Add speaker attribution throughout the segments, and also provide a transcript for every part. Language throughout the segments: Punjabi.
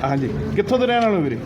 Speaker 1: ਹਾਂਜੀ, ਕਿੱਥੋਂ ਦੇ ਰਹਿਣ ਵਾਲੇ ਹੋ ਵੀਰੇ?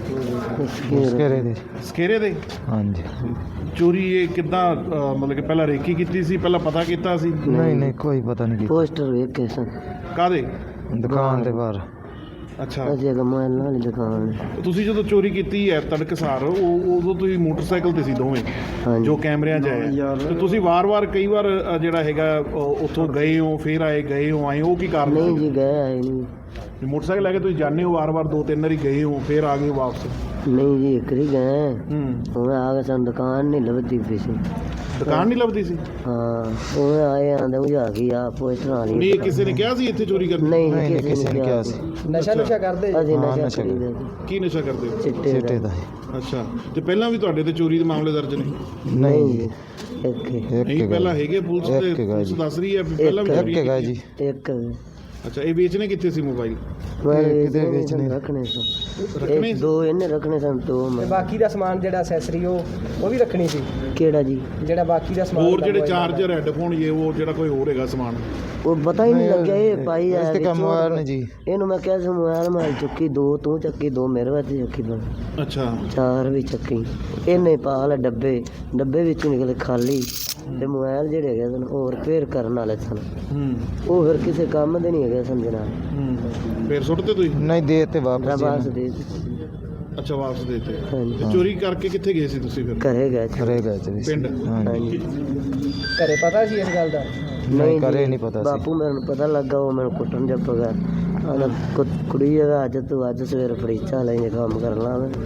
Speaker 2: ਸਕੇਰੇ ਦੇ।
Speaker 1: ਸਕੇਰੇ ਦੇ।
Speaker 2: ਹਾਂਜੀ।
Speaker 1: ਚੋਰੀ ਇਹ ਕਿੱਦਾਂ ਮਤਲਬ ਕਿ ਪਹਿਲਾਂ ਰੇਕੀ ਕੀਤੀ ਸੀ, ਪਹਿਲਾਂ ਪਤਾ ਕੀਤਾ ਸੀ?
Speaker 2: ਨਹੀਂ ਕੋਈ ਪਤਾ ਨਹੀਂ ਕੀਤਾ।
Speaker 3: पोस्टर ਵੇਖ ਕੇ ਸਨ
Speaker 1: ਕਾਹਦੇ?
Speaker 2: ਦੁਕਾਨ ਦੇ ਬਾਹਰ।
Speaker 1: ਅੱਛਾ,
Speaker 3: ਅਜੇ ਮੋਬਾਈਲ ਵਾਲੀ ਦੁਕਾਨ।
Speaker 1: ਤੁਸੀਂ ਜਦੋਂ ਚੋਰੀ ਕੀਤੀ ਹੈ ਤੜਕਸਾਰ, ਉਦੋਂ ਤੁਸੀਂ ਮੋਟਰਸਾਈਕਲ ਤੇ ਸੀ ਦੋਵੇਂ
Speaker 3: ਹਾਂਜੀ
Speaker 1: ਜੋ ਕੈਮਰਿਆਂ 'ਚ ਆਇਆ, ਤੇ ਤੁਸੀਂ ਵਾਰ-ਵਾਰ ਕਈ ਵਾਰ ਜਿਹੜਾ ਹੈਗਾ ਉੱਥੋਂ ਗਏ ਹੋ, ਫਿਰ ਆਏ, ਗਏ ਹੋ, ਆਏ, ਉਹ ਕੀ ਕਾਰਨ
Speaker 3: ਨਹੀਂ
Speaker 1: ਸੀ?
Speaker 3: ਜੀ ਗਏ ਆਏ ਨਹੀਂ।
Speaker 1: ਮੋਟਰਸਾਈਕਲ ਲੈ ਕੇ ਤੁਸੀਂ ਜਾਂਦੇ ਹੋ ਵਾਰ-ਵਾਰ, 2-3 ਵਾਰੀ ਗਏ ਹੋ, ਫਿਰ ਆ ਗਏ ਹੋ ਵਾਪਸ?
Speaker 3: ਨਹੀਂ ਜੀ ਇੱਕ ਹੀ ਗਏ।
Speaker 1: ਹੂੰ।
Speaker 3: ਉਹ ਆ ਕੇ ਸਾਨੂੰ ਦੁਕਾਨ ਨਹੀਂ ਲੱਭਦੀ ਪਈ ਸੀ।
Speaker 1: ਦੁਕਾਨ ਨਹੀਂ ਲੱਭਦੀ ਸੀ?
Speaker 3: ਹਾਂ ਉਹ ਆਏ ਆਂਦੇ ਬੁਝਾ ਗਈ ਆ ਪੋਸਟਰ ਵਾਲੀ।
Speaker 1: ਨਹੀਂ, ਕਿਸੇ ਨੇ ਕਿਹਾ ਸੀ ਇੱਥੇ ਚੋਰੀ ਕਰਨੀ?
Speaker 3: ਨਹੀਂ
Speaker 2: ਕਿਸੇ ਨੇ ਕਿਹਾ ਸੀ।
Speaker 3: ਨਸ਼ਾ ਕਰਦੇ ਅਸੀਂ।
Speaker 2: ਹਾਂ,
Speaker 3: ਨਸ਼ਾ
Speaker 2: ਨਸ਼ਾ
Speaker 3: ਕਰੀਦਾ
Speaker 1: ਕੀ ਨਸ਼ਾ ਕਰਦੇ ਹੋ?
Speaker 3: ਚਿੱਟੇ
Speaker 2: ਚਿੱਟੇ ਦਾ।
Speaker 1: ਅੱਛਾ, ਤੇ ਪਹਿਲਾਂ ਵੀ ਤੁਹਾਡੇ ਤੇ ਚੋਰੀ ਦੇ ਮਾਮਲੇ ਦਰਜ ਨੇ?
Speaker 3: ਨਹੀਂ ਜੀ ਇੱਕ
Speaker 1: ਨਹੀਂ, ਪਹਿਲਾਂ ਹੈਗੇ, ਪੁਲਿਸ ਦੱਸ ਰਹੀ ਹੈ ਵੀ ਪਹਿਲਾਂ ਵੀ ਚੋਰੀ
Speaker 2: ਹੈਗਾ ਜੀ।
Speaker 3: ਇੱਕ
Speaker 1: ਅੱਛਾ, ਇਹ ਵੇਚਣੇ ਕਿੱਥੇ ਸੀ ਮੋਬਾਈਲ?
Speaker 2: ਕਿਤੇ ਵੇਚਣੇ
Speaker 3: ਰੱਖਣੇ ਸਨ।
Speaker 1: ਰੱਖਣੇ
Speaker 3: ਦੋ ਇਹਨੇ ਰੱਖਣੇ ਸਨ, ਦੋ ਮੈਂ।
Speaker 4: ਬਾਕੀ ਦਾ ਸਮਾਨ ਜਿਹੜਾ ਅਸੈਸਰੀ ਉਹ ਵੀ ਰੱਖਣੀ ਸੀ।
Speaker 3: ਕਿਹੜਾ ਜੀ?
Speaker 4: ਜਿਹੜਾ ਬਾਕੀ ਦਾ ਸਮਾਨ
Speaker 1: ਹੋਰ ਜਿਹੜੇ ਚਾਰਜਰ, ਹੈੱਡਫੋਨ, ਇਹ ਉਹ ਜਿਹੜਾ ਕੋਈ ਹੋਰ ਹੈਗਾ ਸਮਾਨ?
Speaker 3: ਉਹ ਪਤਾ ਹੀ ਨਹੀਂ ਲੱਗਿਆ ਇਹ ਪਾਈ ਆ
Speaker 2: ਇਸ ਤੇ ਕੰਮ ਹੋਇਆ ਨਹੀਂ ਜੀ।
Speaker 3: ਇਹਨੂੰ ਮੈਂ ਕਿਹਾ ਸੀ ਮੋਬਾਈਲ ਮੈਂ ਚੁੱਕੀ, ਦੋ ਤੂੰ ਚੱਕੀ, ਦੋ ਮੇਰੇ ਵਾਸਤੇ ਚੱਕੀ, ਪਰ
Speaker 1: ਅੱਛਾ,
Speaker 3: ਚਾਰ ਵੀ ਚੱਕੀ। ਇਹਨੇ ਪਾ ਲੈ ਡੱਬੇ ਵਿੱਚੋਂ ਨਿਕਲੇ ਖਾਲੀ, ਤੇ ਮੋਬਾਈਲ ਜਿਹੜੇ ਹੈਗੇ ਸਨ ਉਹ ਰਿਪੇਅਰ ਕਰਨ ਵਾਲੇ ਸਨ। ਉਹ ਫਿਰ ਕਿਸੇ ਕੰਮ ਦੇ ਨਹੀਂ ਹੈਗੇ ਸਨ ਜਨਾਬ।
Speaker 1: ਫਿਰ ਸੁੱਟਦੇ ਤੁਸੀਂ?
Speaker 2: ਨਹੀਂ ਦੇ ਤੇ ਵਾਪਸ
Speaker 3: ਬਾਸ
Speaker 2: ਜੀ।
Speaker 3: ਦੇ
Speaker 1: ਅੱਛਾ, ਵਾਪਸ ਦੇ ਦਿੱਤੇ।
Speaker 3: ਹਾਂਜੀ
Speaker 1: ਤੇ ਚੋਰੀ ਕਰਕੇ ਕਿੱਥੇ ਗਏ ਸੀ ਤੁਸੀਂ ਫਿਰ?
Speaker 3: ਘਰੇ ਗਏ ਸੀ।
Speaker 2: ਘਰੇ ਗਏ ਸੀ।
Speaker 1: ਪਿੰਡ?
Speaker 3: ਹਾਂਜੀ
Speaker 4: ਘਰੇ ਪਤਾ ਸੀ ਇਸ ਗੱਲ ਦਾ?
Speaker 2: ਨਹੀਂ
Speaker 3: ਜੀ,
Speaker 2: ਘਰੇ ਨਹੀਂ ਪਤਾ ਸੀ।
Speaker 3: ਬਾਪੂ ਮੈਨੂੰ ਪਤਾ ਲੱਗਾ, ਉਹ ਮੈਨੂੰ ਕੁੱਟਣ ਜੱਪ ਗਿਆ। ਆਂਦਾ ਕੁੜੀ ਹੈਗਾ ਅੱਜ ਤੂੰ ਅੱਜ ਸਵੇਰ ਫੜੀਚਾ ਲੈ ਕੰਮ ਕਰ ਲਾ ਮੈਂ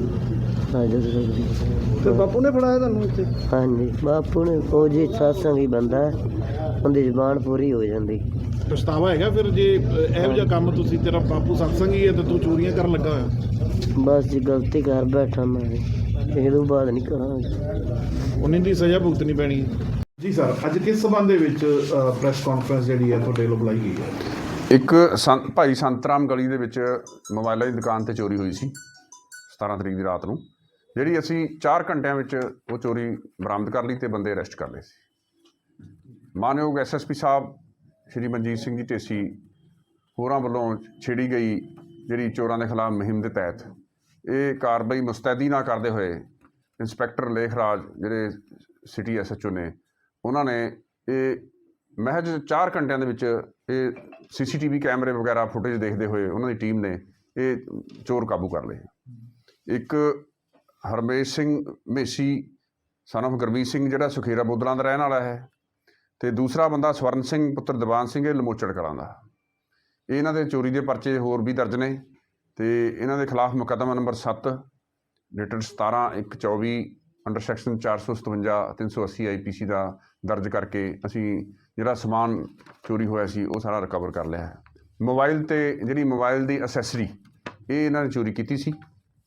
Speaker 3: ਅੱਜ
Speaker 4: ਫਿਰ ਬਾਪੂ ਨੇ ਫੜਾਇਆ ਤੁਹਾਨੂੰ ਇੱਥੇ?
Speaker 3: ਹਾਂਜੀ ਬਾਪੂ ਨੇ। ਉਹ ਜੀ ਸਾਸਾਂ ਹੀ ਬੰਦਾ ਉਹਦੀ ਜ਼ੁਬਾਨ ਪੂਰੀ ਹੋ ਜਾਂਦੀ।
Speaker 1: ਪਛਤਾਵਾ ਹੈਗਾ ਫਿਰ ਜੇ ਇਹੋ ਜਿਹਾ ਕੰਮ ਤੁਸੀਂ, ਤੇਰਾ ਬਾਪੂ ਸਤਸੰਗੀ ਹੈ ਤੇ ਤੂੰ ਚੋਰੀਆਂ ਕਰਨ ਲੱਗਾ ਹੋਇਆ?
Speaker 3: ਬਸ ਜੀ ਗਲਤੀ ਕਰ ਬੈਠਾ ਮੈਂ, ਇਹ ਤੋਂ ਬਾਅਦ ਨਹੀਂ ਕਰਾਂਗਾ।
Speaker 1: ਉਹਨਾਂ ਦੀ ਸਜ਼ਾ ਭੁਗਤਣੀ ਪੈਣੀ ਹੈ। ਜੀ ਸਰ, ਅੱਜ ਕਿਸ ਸਬੰਧ ਦੇ ਵਿੱਚ ਪ੍ਰੈਸ ਕਾਨਫਰੰਸ ਜਿਹੜੀ ਹੈ ਤੁਹਾਡੇ ਵੱਲੋਂ ਬੁਲਾਈ ਗਈ ਹੈ?
Speaker 5: ਇੱਕ ਭਾਈ ਸੰਤਰਾਮ ਗਲੀ ਦੇ ਵਿੱਚ ਮੋਬਾਈਲਾਂ ਦੀ ਦੁਕਾਨ 'ਤੇ ਚੋਰੀ ਹੋਈ ਸੀ 17 ਤਰੀਕ ਦੀ ਰਾਤ ਨੂੰ, ਜਿਹੜੀ ਅਸੀਂ 4 ਘੰਟਿਆਂ ਵਿੱਚ ਉਹ ਚੋਰੀ ਬਰਾਮਦ ਕਰ ਲਈ ਅਤੇ ਬੰਦੇ ਅਰੈਸਟ ਕਰ ਲਏ ਸੀ। ਮਾਨਯੋਗ SSP ਸਾਹਿਬ ਸ਼੍ਰੀ ਮਨਜੀਤ ਸਿੰਘ ਜੀ ਢੇਸੀ ਹੋਰਾਂ ਵੱਲੋਂ ਛੇੜੀ ਗਈ ਜਿਹੜੀ ਚੋਰਾਂ ਦੇ ਖਿਲਾਫ ਮੁਹਿੰਮ ਦੇ ਤਹਿਤ ਇਹ ਕਾਰਵਾਈ ਮੁਸਤੈਦੀ ਨਾਲ ਕਰਦੇ ਹੋਏ ਇੰਸਪੈਕਟਰ ਲੇਖਰਾਜ ਜਿਹੜੇ ਸਿਟੀ SHO ਨੇ, ਉਹਨਾਂ ਨੇ ਇਹ ਮਹਿਜ 4 ਘੰਟਿਆਂ ਦੇ ਵਿੱਚ ਇਹ CCTV ਕੈਮਰੇ ਵਗੈਰਾ ਫੁਟੇਜ ਦੇਖਦੇ ਹੋਏ ਉਹਨਾਂ ਦੀ ਟੀਮ ਨੇ ਇਹ ਚੋਰ ਕਾਬੂ ਕਰ ਲਏ। ਇੱਕ ਹਰਮੇਸ਼ ਸਿੰਘ ਮੇਸੀ son of ਗੁਰਮੀਤ ਸਿੰਘ ਜਿਹੜਾ ਸੁਖੇਰਾ ਬੋਦਲਾਂ ਦਾ ਰਹਿਣ ਵਾਲਾ ਹੈ, ਅਤੇ ਦੂਸਰਾ ਬੰਦਾ ਸਵਰਨ ਸਿੰਘ ਪੁੱਤਰ ਦੀਵਾਨ ਸਿੰਘ, ਇਹ ਲਮੋਚੜ ਕਲਾਂ ਦਾ। ਇਹਨਾਂ ਦੇ ਚੋਰੀ ਦੇ ਪਰਚੇ ਹੋਰ ਵੀ ਦਰਜ ਨੇ ਅਤੇ ਇਹਨਾਂ ਦੇ ਖਿਲਾਫ ਮੁਕੱਦਮਾ number 7 dated 17/1/24 under section 457 380 IPC ਦਾ ਦਰਜ ਕਰਕੇ ਅਸੀਂ ਜਿਹੜਾ ਸਮਾਨ ਚੋਰੀ ਹੋਇਆ ਸੀ ਉਹ ਸਾਰਾ ਰਿਕਵਰ ਕਰ ਲਿਆ ਹੈ। ਮੋਬਾਈਲ ਅਤੇ ਜਿਹੜੀ ਮੋਬਾਈਲ ਦੀ ਅਸੈਸਰੀ ਇਹ ਇਹਨਾਂ ਨੇ ਚੋਰੀ ਕੀਤੀ ਸੀ,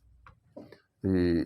Speaker 5: ਅਤੇ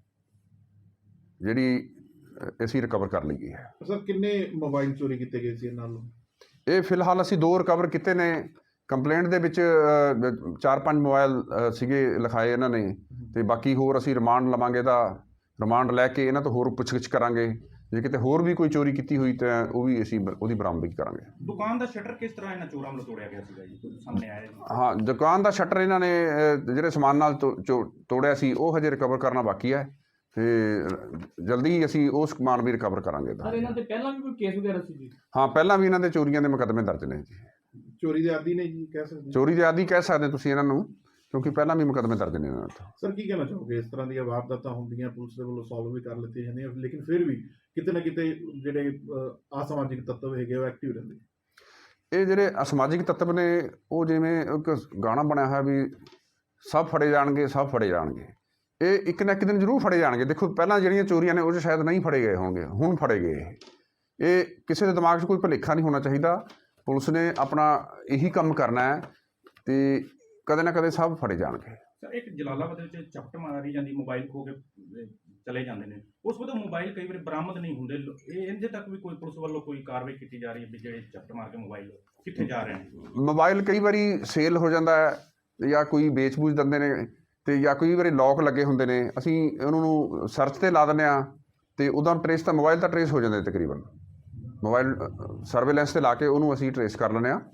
Speaker 5: ਜਿਹੜੀ ਅਸੀਂ ਰਿਕਵਰ ਕਰ ਲਈ ਹੈ।
Speaker 1: ਸਰ, ਕਿੰਨੇ ਮੋਬਾਈਲ ਚੋਰੀ ਕੀਤੇ ਗਏ ਸੀ ਇਹਨਾਂ ਨੂੰ?
Speaker 5: ਇਹ ਫਿਲਹਾਲ ਅਸੀਂ 2 ਰਿਕਵਰ ਕੀਤੇ ਨੇ। ਕੰਪਲੇਂਟ ਦੇ ਵਿੱਚ 4-5 ਮੋਬਾਈਲ ਸੀਗੇ ਲਿਖਾਏ ਇਹਨਾਂ ਨੇ, ਅਤੇ ਬਾਕੀ ਹੋਰ ਅਸੀਂ ਰਿਮਾਂਡ ਲਵਾਂਗੇ। ਇਹਦਾ ਰਿਮਾਂਡ ਲੈ ਕੇ ਇਹਨਾਂ ਤੋਂ ਹੋਰ ਪੁੱਛਗਿੱਛ ਕਰਾਂਗੇ। ਜੇ ਕਿਤੇ ਹੋਰ ਵੀ ਕੋਈ ਚੋਰੀ ਕੀਤੀ ਹੋਈ ਤਾਂ ਉਹ ਵੀ ਅਸੀਂ ਉਹਦੀ ਬਰਾਮਦਗੀ ਕਰਾਂਗੇ।
Speaker 6: ਦੁਕਾਨ ਦਾ ਸ਼ਟਰ ਕਿਸ ਤਰ੍ਹਾਂ ਇਹਨਾਂ ਚੋਰਾਂ ਵੱਲੋਂ ਤੋੜਿਆ ਗਿਆ ਸੀਗਾ ਜੀ, ਸਾਹਮਣੇ ਆਇਆ ਜੀ?
Speaker 5: ਹਾਂ, ਦੁਕਾਨ ਦਾ ਸ਼ਟਰ ਇਹਨਾਂ ਨੇ ਜਿਹੜੇ ਸਮਾਨ ਨਾਲ ਤੋੜਿਆ ਸੀ ਉਹ ਹਜੇ ਰਿਕਵਰ ਕਰਨਾ ਬਾਕੀ ਹੈ, ਅਤੇ ਜਲਦੀ ਹੀ ਅਸੀਂ ਉਹ ਸਮਾਨ ਵੀ ਰਿਕਵਰ ਕਰਾਂਗੇ।
Speaker 6: ਸਰ, ਇਹਨਾਂ ਤੇ ਪਹਿਲਾਂ ਵੀ ਕੋਈ ਕੇਸ ਵਗੈਰਾ ਸੀ ਜੀ?
Speaker 5: ਹਾਂ, ਪਹਿਲਾਂ ਵੀ ਇਹਨਾਂ ਦੇ ਚੋਰੀਆਂ ਦੇ ਮੁਕੱਦਮੇ ਦਰਜ ਨੇ ਜੀ।
Speaker 1: ਚੋਰੀ ਦੇ ਆਦੀ ਨੇ ਜੀ, ਕਹਿ ਸਕਦੇ?
Speaker 5: ਚੋਰੀ ਦੇ ਆਦੀ ਕਹਿ ਸਕਦੇ ਤੁਸੀਂ ਇਹਨਾਂ ਨੂੰ, ਕਿਉਂਕਿ ਪਹਿਲਾਂ ਵੀ ਮੁਕੱਦਮੇ ਦਰਜ ਨੇ ਇਹਨਾਂ ਤੋਂ।
Speaker 1: ਸਰ, ਕੀ ਕਹਿਣਾ ਚਾਹੋਗੇ? ਇਸ ਤਰ੍ਹਾਂ ਦੀਆਂ ਵਾਰਦਾਤਾਂ ਹੁੰਦੀਆਂ, ਪੁਲਿਸ ਦੇ ਵੱਲੋਂ ਸੋਲਵ ਵੀ ਕਰ ਲਿੱਤੀਆਂ ਜਾਂਦੀਆਂ, ਲੇਕਿਨ ਫਿਰ ਵੀ ਕਿਤੇ ਨਾ ਕਿਤੇ ਜਿਹੜੇ ਅਸਮਾਜਿਕ ਤੱਤਵ ਹੈਗੇ ਉਹ ਐਕਟਿਵ ਰਹਿੰਦੇ।
Speaker 5: ਇਹ ਜਿਹੜੇ ਅਸਮਾਜਿਕ ਤੱਤਵ ਨੇ ਉਹ ਜਿਵੇਂ ਇੱਕ ਗਾਣਾ ਬਣਿਆ ਹੋਇਆ ਵੀ ਸਭ ਫੜੇ ਜਾਣਗੇ, ਸਭ ਫੜੇ ਜਾਣਗੇ। ਇਹ ਇੱਕ ਨਾ ਇੱਕ ਦਿਨ ਜ਼ਰੂਰ ਫੜੇ ਜਾਣਗੇ। ਦੇਖੋ, ਪਹਿਲਾਂ ਜਿਹੜੀਆਂ ਚੋਰੀਆਂ ਨੇ ਉਹ 'ਚ ਸ਼ਾਇਦ ਨਹੀਂ ਫੜੇ ਗਏ ਹੋਣਗੇ, ਹੁਣ ਫੜੇ ਗਏ। ਇਹ ਕਿਸੇ ਦੇ ਦਿਮਾਗ 'ਚ ਕੋਈ ਭੁਲੇਖਾ ਨਹੀਂ ਹੋਣਾ ਚਾਹੀਦਾ। ਪੁਲਿਸ ਨੇ ਆਪਣਾ ਇਹੀ ਕੰਮ ਕਰਨਾ ਹੈ ਅਤੇ ਕਦੇ ਨਾ ਕਦੇ ਸਭ ਫੜੇ ਜਾਣਗੇ।
Speaker 6: ਸਰ, ਇੱਕ ਜਲਾਲਾਬਾਦ ਵਿੱਚ ਚਪਟ ਮਾਰੀ ਜਾਂਦੀ, ਮੋਬਾਈਲ ਖੋ ਕੇ ਚਲੇ ਜਾਂਦੇ ਨੇ, ਉਸ ਵਕਤ ਮੋਬਾਈਲ ਕਈ ਵਾਰੀ ਬਰਾਮਦ ਨਹੀਂ ਹੁੰਦੇ। ਇਹ ਇਹਦੇ ਤੱਕ ਵੀ ਕੋਈ ਪੁਲਿਸ ਵੱਲੋਂ ਕੋਈ ਕਾਰਵਾਈ ਕੀਤੀ ਜਾ ਰਹੀ ਹੈ ਵੀ ਜਿਹੜੇ ਚਪਟ ਮਾਰ ਕੇ ਮੋਬਾਈਲ ਕਿੱਥੇ ਜਾ ਰਹੇ ਨੇ?
Speaker 5: ਮੋਬਾਈਲ ਕਈ ਵਾਰੀ ਸੇਲ ਹੋ ਜਾਂਦਾ ਹੈ ਜਾਂ ਕੋਈ ਵੇਚ ਬੂਝ ਦਿੰਦੇ ਨੇ, ਅਤੇ ਜਾਂ ਕਈ ਵਾਰੀ ਲੌਕ ਲੱਗੇ ਹੁੰਦੇ ਨੇ। ਅਸੀਂ ਉਹਨਾਂ ਨੂੰ ਸਰਚ 'ਤੇ ਲਾ ਦਿੰਦੇ ਹਾਂ ਅਤੇ ਉਹਦਾ ਟਰੇਸ ਤਾਂ ਮੋਬਾਈਲ ਤਾਂ ਟਰੇਸ ਹੋ ਜਾਂਦੇ ਤਕਰੀਬਨ। ਮੋਬਾਈਲ ਸਰਵੇਲੈਂਸ 'ਤੇ ਲਾ ਕੇ ਉਹਨੂੰ ਅਸੀਂ ਟਰੇਸ ਕਰ ਲੈਂਦੇ ਹਾਂ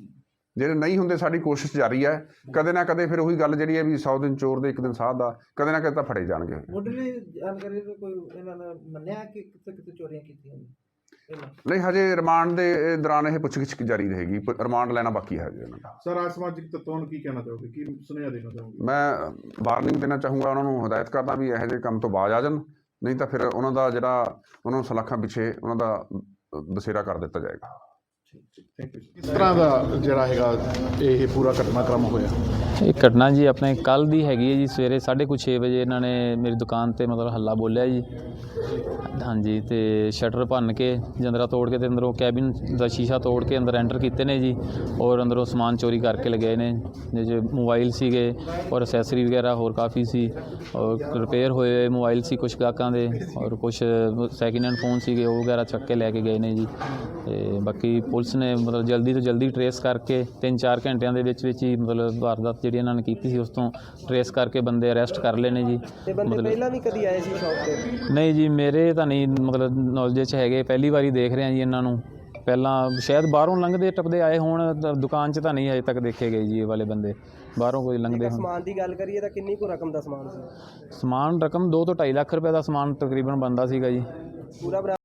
Speaker 5: ਜਿਹੜੇ ਨਹੀਂ ਹੁੰਦੇ ਸਾਡੀ ਕੋਸ਼ਿਸ਼ ਜਾਰੀ ਹੈ। ਕਦੇ ਨਾ ਕਦੇ ਫਿਰ ਉਹੀ ਗੱਲ ਜਿਹੜੀ ਹੈ ਵੀ 100 ਦਿਨ ਚੋਰ ਦੇ 1 ਦਿਨ ਸਾਧ ਦਾ, ਕਦੇ ਨਾ ਕਦੇ ਤਾਂ ਫੜੇ ਜਾਣਗੇ।
Speaker 4: ਮੁੱਢਲੀ ਜਾਣਕਾਰੀ ਤੋਂ ਕੋਈ ਇਹਨਾਂ ਨੇ ਮੰਨਿਆ ਕਿ ਕਿਤੇ ਕਿਤੇ ਚੋਰੀਆਂ ਕੀਤੀਆਂ ਨੇ ਪਹਿਲਾਂ?
Speaker 5: ਨਹੀਂ, ਹਜੇ ਰਿਮਾਂਡ ਦੇ ਦੌਰਾਨ ਇਹ ਪੁੱਛਗਿੱਛ ਜਾਰੀ ਰਹੇਗੀ। ਰਿਮਾਂਡ ਲੈਣਾ ਬਾਕੀ ਹੈ ਹਜੇ ਉਹਨਾਂ ਦਾ।
Speaker 1: ਸਰ ਅਸਮਾਜਿਕ ਤੱਤਾਂ ਨੂੰ ਕੀ ਕਹਿਣਾ ਚਾਹੋਗੇ, ਕੀ ਸੁਨੇਹਾ ਦੇਣਾ ਚਾਹੋਗੇ?
Speaker 5: ਮੈਂ ਵਾਰਨਿੰਗ ਦੇਣਾ ਚਾਹੂੰਗਾ, ਉਹਨਾਂ ਨੂੰ ਹਦਾਇਤ ਕਰਦਾ ਵੀ ਇਹੋ ਜਿਹੇ ਕੰਮ ਤੋਂ ਬਾਜ਼ ਆ ਜਾਣ, ਨਹੀਂ ਤਾਂ ਫਿਰ ਉਹਨਾਂ ਦਾ ਜਿਹੜਾ ਉਹਨਾਂ ਨੂੰ ਸਲਾਖਾਂ ਪਿੱਛੇ ਉਹਨਾਂ ਦਾ ਬਸੇਰਾ ਕਰ ਦਿੱਤਾ ਜਾਏਗਾ।
Speaker 1: ਕਿਸ ਤਰ੍ਹਾਂ ਦਾ ਜਿਹੜਾ ਹੈਗਾ ਇਹ ਪੂਰਾ ਘਟਨਾਕ੍ਰਮ ਹੋਇਆ?
Speaker 7: ਇਹ ਘਟਨਾ ਜੀ ਆਪਣੇ ਕੱਲ੍ਹ ਦੀ ਹੈਗੀ ਹੈ ਜੀ। ਸਵੇਰੇ 6:30 ਵਜੇ ਇਹਨਾਂ ਨੇ ਮੇਰੀ ਦੁਕਾਨ ਤੇ ਮਤਲਬ ਹੱਲਾ ਬੋਲਿਆ ਜੀ। ਹਾਂਜੀ, ਤੇ ਸ਼ਟਰ ਭੰਨ ਕੇ ਜੰਦਰਾ ਤੋੜ ਕੇ ਤੇ ਅੰਦਰੋਂ ਕੈਬਿਨ ਦਾ ਸ਼ੀਸ਼ਾ ਤੋੜ ਕੇ ਅੰਦਰ ਐਂਟਰ ਕੀਤੇ ਨੇ ਜੀ, ਔਰ ਅੰਦਰੋਂ ਸਮਾਨ ਚੋਰੀ ਕਰਕੇ ਲਗਾਏ ਨੇ। ਜਿਹਦੇ 'ਚ ਮੋਬਾਈਲ ਸੀਗੇ ਔਰ ਅਸੈਸਰੀ ਵਗੈਰਾ ਹੋਰ ਕਾਫੀ ਸੀ, ਔਰ ਰਿਪੇਅਰ ਹੋਏ ਮੋਬਾਈਲ ਸੀ ਕੁਛ ਗਾਹਕਾਂ ਦੇ, ਔਰ ਕੁਛ ਸੈਕਿੰਡ ਹੈਂਡ ਫੋਨ ਸੀਗੇ ਉਹ ਵਗੈਰਾ ਚੱਕ ਕੇ ਲੈ ਕੇ ਗਏ ਨੇ ਜੀ। ਤੇ ਬਾਕੀ ਪੁਲਿਸ ਨੇ ਮਤਲਬ ਜਲਦੀ ਤੋਂ ਜਲਦੀ ਟਰੇਸ ਕਰਕੇ 3-4 ਘੰਟਿਆਂ ਦੇ ਵਿੱਚ ਹੀ ਮਤਲਬ ਵਾਰਦਾਤ ਜਿਹੜੀ ਇਹਨਾਂ ਨੇ ਕੀਤੀ ਸੀ ਉਸ ਤੋਂ ਟਰੇਸ ਕਰਕੇ ਬੰਦੇ ਅਰੈਸਟ ਕਰ ਲਏ ਨੇ ਜੀ।
Speaker 4: ਤੇ ਬੰਦੇ ਪਹਿਲਾਂ ਵੀ ਕਦੀ ਆਏ ਸੀ ਸ਼ੌਪ ਤੇ?
Speaker 7: ਨਹੀਂ ਜੀ, ਮੇਰੇ ਤਾਂ ਨਹੀਂ ਮਤਲਬ ਨੌਲੇਜ 'ਚ ਹੈਗੇ, ਪਹਿਲੀ ਵਾਰੀ ਦੇਖ ਰਿਹਾ ਜੀ ਇਹਨਾਂ ਨੂੰ। ਪਹਿਲਾਂ ਸ਼ਾਇਦ ਬਾਹਰੋਂ ਲੰਘਦੇ ਟੱਪਦੇ ਆਏ ਹੋਣ, ਦੁਕਾਨ 'ਚ ਤਾਂ ਨਹੀਂ ਅਜੇ ਤੱਕ ਦੇਖੇ ਗਏ ਜੀ ਇਹ ਵਾਲੇ ਬੰਦੇ, ਬਾਹਰੋਂ ਕੋਈ ਲੰਘਦੇ ਹੋਣ।
Speaker 4: ਸਮਾਨ ਦੀ ਗੱਲ ਕਰੀਏ ਤਾਂ ਕਿੰਨੀ ਕੁ ਰਕਮ ਦਾ ਸਮਾਨ ਸੀ?
Speaker 7: ਸਮਾਨ ਰਕਮ 2 ਤੋਂ 2.5 ਲੱਖ ਰੁਪਏ ਦਾ ਸਮਾਨ ਤਕਰੀਬਨ ਬਣਦਾ ਸੀਗਾ ਜੀ।
Speaker 4: ਪੂਰਾ